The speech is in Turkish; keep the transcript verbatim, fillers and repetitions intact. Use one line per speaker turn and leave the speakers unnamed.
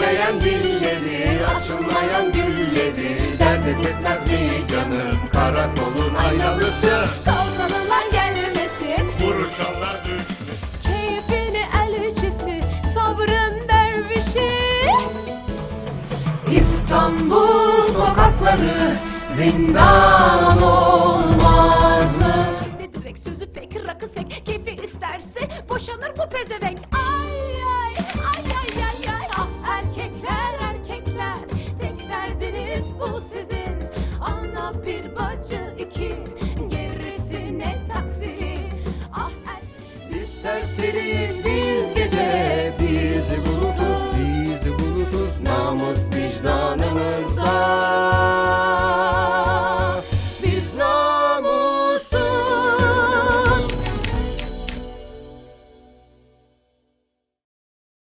Bitmeyen dilleri, açılmayan gülleri dert etmez mi canım karakolun aynalısı?
Kavgalılar gelmesin,
Vuruşanlar düşmesin.
keyfini elçisi, sabrın dervişi.
İstanbul sokakları zindan olmaz mı?
Ne direkt sözü pek rakısek, keyfi isterse boşanır bu pezevenk. Ay ay ay ay ay ay ah erkekler erkekler, tek derdiniz bu sizin. Ana bir bacı iki, gerisine taksiri. Ah er...
Biz serseri, biz